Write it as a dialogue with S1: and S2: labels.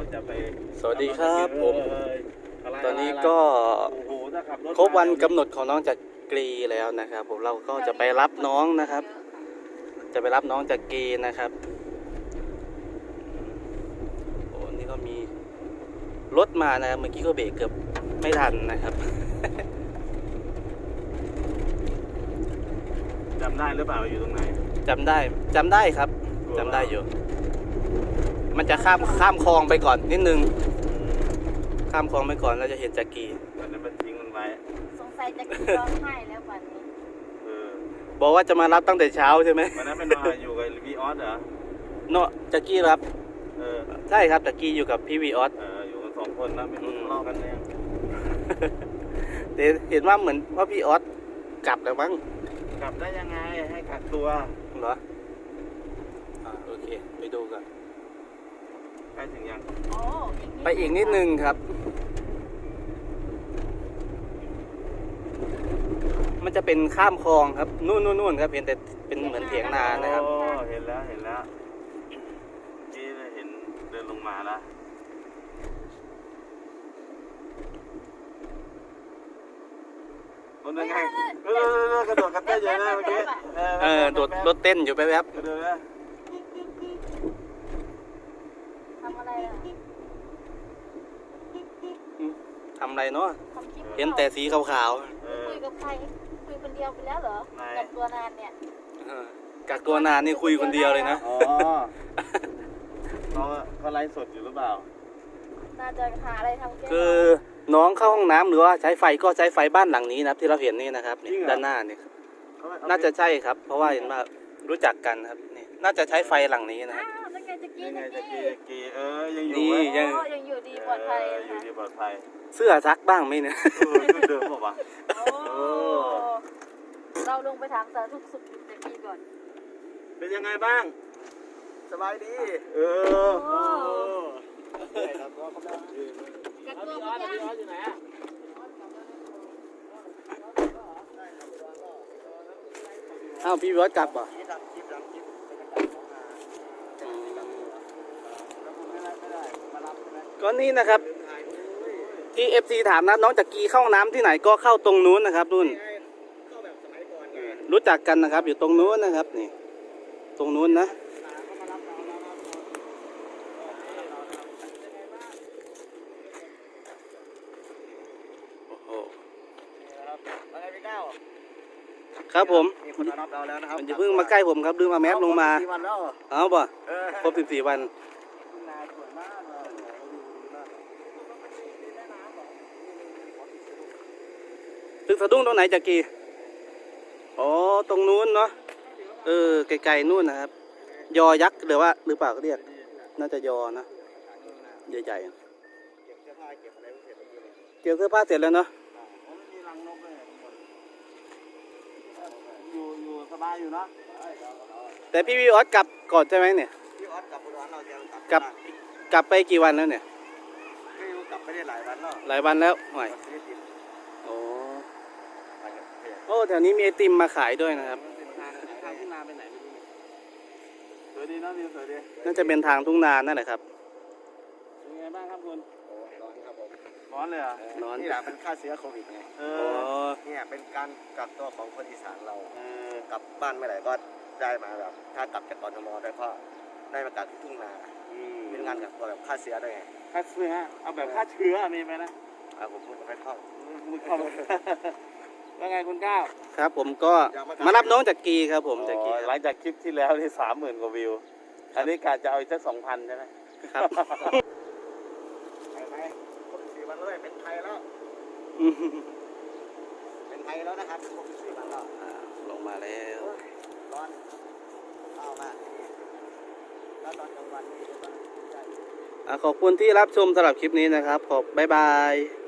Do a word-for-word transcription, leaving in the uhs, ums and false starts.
S1: จะไป
S2: สวัสดีครับผมตอนนี้ก็
S1: โอ้โหถ้าขับรถ
S2: ครบวันกำหนดของน้องจากกรีแล้วนะครับผมเราก็จะไปรับน้องนะครับ จะไปรับน้องจากกรีนะครับโอ้นี่ก็มีรถมานะครับเมื่อกี้ก็เบรกเกือบไม่ทันนะครับ
S1: จำได้หรือเปล่าอยู่ตรงไหน
S2: จำได้จำได้ครับจำได้อยู่ มันจะข้ามข้ามคลองไปก่อนนิดนึงข้ามคลองไปก่อนเราจะเห็นจากกรี
S1: วันนั้นมันทิ้งมันไว้
S3: สงสัยจะกินร้องไห้แล้ววันนี้
S1: เออ
S2: บอกว่าจะมารับตั้งแต่เช้าใช่ไหม
S1: วันนั้นเป็นมาอยู่กับวีออสเหรอ
S2: เนาะจากกรีรับ
S1: เออ
S2: ใช่ครับจากกรีอยู่กับพี่วีออส
S1: เอออยู่กันสองคนนะไม่รู้ทะเลาะกันเนี่ย
S2: แต่เห็นว่าเหมือนว่าพี่ออสกลับแล้วมั้ง
S1: กลับได้ยังไงให้กักตัว
S2: เหรออ่าโอเคไปดูกัน
S1: ใกล้ถึงยัง
S3: โอ้
S2: ไปอีกนิดนึงครับ มันจะเป็นข้ามคลองครับนู่นนู่นนู่นครับเห็นแต่เป็นเหมือนเถียงนานะครับ
S1: โอ้เห็นแล้วเห็นแล้วนี่เห็นเดินลงมาแล้วคนยังไงเออกระโดดกระเต้นอยู่นะเมื่อกี้
S2: เออโดดรถเต้นอยู่แป๊บ
S1: กระโดดนะ
S3: ทำอะไรอ่ะ
S2: ๆทำอะไรเนาะ
S3: ทำคลิป
S2: เห็นแต่สีขาว
S1: เออ
S3: คุยกับใครคุยคนเดียวไปแล้วเหรอ
S1: ไม่
S3: กับตัวนานเนี่ย
S2: ๆเออกักตัวนานนี่คุยคนเดียวเลยนะ
S1: อ๋อเขาเขาไลฟ์สดอยู่หรือเปล่า
S3: น่าจะหาอะไรทำแก้
S2: คือน้องเข้าห้องน้ำหรือว่าใช้ไฟก็ใช้ไฟบ้านหลังนี้นะครับที่เราเห็นนี่นะครับนี่ด้านหน้านี่ครับน่าจะใช่ครับ เพราะว่าเห็นว่ารู้จักกันครับนี่น่าจะใช้ไฟหลังนี้นะค
S3: อ้า
S2: รับ
S3: วแล้วไงจะกิน
S1: ยังไง
S3: จะ
S1: จะ
S3: กิ
S1: กี
S3: น
S1: จะกีเออยังอยู่
S2: นี่
S1: ไหม
S2: ยัง
S3: โอ้ยังอยู่ดีปลอดภัย
S1: เอออยู่
S3: ค่ะ
S1: ดีปลอดภัย
S2: เสื้อซักบ้างไหมเนี่ย
S1: เออชุดเดิมบอกว่า
S3: โอ้เราลงไปถามสารทุกข์สุขดิบจากกี้ก่อน
S1: เป็นยังไงบ้าง
S2: สบายดี
S1: เออ
S3: โอ้
S2: ครับก็กำลัง
S3: กักตัวไม่ได้
S1: อยู่ไหนอ่ะ
S2: อ้าวพี่วิวัฒน์กลับเหรอก็นี่นะครับ ที่เอฟซีถามนะน้องจากกีเข้าห้องน้ำที่ไหนก็เข้าตรงนู้นนะครับนู่นรู้จักกันนะครับ อยู่ตรงนู้นนะครับนี่ ตรงนู้นนะโอ้โหครับผม
S4: มีคนมารับเราแล้วนะครับ
S2: มันจะเพิ่งมาใกล้ผมครับลืมมาแมสลงมา
S4: สี่วันแล้ว
S2: เอาป่ะ
S4: เออ
S2: ครบสิบสี่วัน
S4: นาสวยมากเลย
S2: ตึกสะดุ้งตรงไหนจากกีอ๋อตรงนู้นเนาะเออไกลๆนู่นนะครับ ยอยักษ์หรือว่าหรือเปล่าเขาเรียกน่าจะยอนะใหญ่
S4: เก็บเสื้อผ้าเก็บอะไรเสร็จแล้วเนี่ย
S2: ๆเกี่ยวเสื้อผ้าเสร็จแล้วเนาะ
S4: ผมไม่มีรังนกเลยทุกคน
S1: อยู่อยู่สบายอยู่เนาะ
S2: แต่พี่วิออสกลับก่อนใช่ไหมเนี่ย
S4: พี่ออสกลับอุดรเราจะ
S2: กลับ กลับไปกี่วันแล้วเนี่ย
S4: ไม่รู้กลับไม่ได้หลายวันแล้ว
S2: หลายวันแล้วหน่อย
S4: วันที่สิบ
S2: โอ้
S4: ไปกับเพจ
S2: โอ้แถวนี้มีไอติมมาขายด้วยนะครับ
S4: ทางทางที่นาไปไหนไม่รู้
S1: สวยดีเนาะวิวสวยดี
S2: น่าจะเป็นทางทุ่งนานั่นแหละครับ
S1: เป็นไงบ้างครับคุณ
S4: โอ้ร้อนครับผม
S1: ร้อนเลยเหรอ่ะ
S2: ร้อน
S4: นี่แหละเป็นค่าเชื้อโควิดไง
S1: เอ
S2: อ๋อ
S1: อ
S4: เนี่ยเป็นการกักตัวของคนอีสานเรา
S1: เออก
S4: ลับบ้านเมื่อไหร่ก็ได้มาแบบถ้ากลับจากกรทมได้ก็ได้มากักที่ทุ่งนา
S1: อืม
S4: เป็นงานกักตัวแบบค่าเชื้อด้วยไง
S1: ฆ่าเชื้อเอาแบบฆ่าเชื้อมีไหมนะ
S4: อ่าผมพูดไม่คล่อง
S1: มึงเข้ามาว่าไงคุณก้าว
S2: ครับผมก็มารับน้องจากกีครับผมจากกี
S1: หลังจากคลิปที่แล้วที่สามหมื่นกว่าวิว อันนี้กาจะเอาอีกสักสองพันใช่ไหม
S2: ครับ
S4: ไปไหมครบสี่วันแล้วเป็นไทยแล้ว
S2: อืม
S4: เป็นไทยแล้วนะครับครบสี่วันแล้ว
S2: อ่าลงมาแล้ว
S4: ร้อนเอามากแล้วตอนกลางวันนี่ก็ได้
S2: อ่ะขอบคุณที่รับชมสำหรับคลิปนี้นะครับ ขอบบ๊ายบาย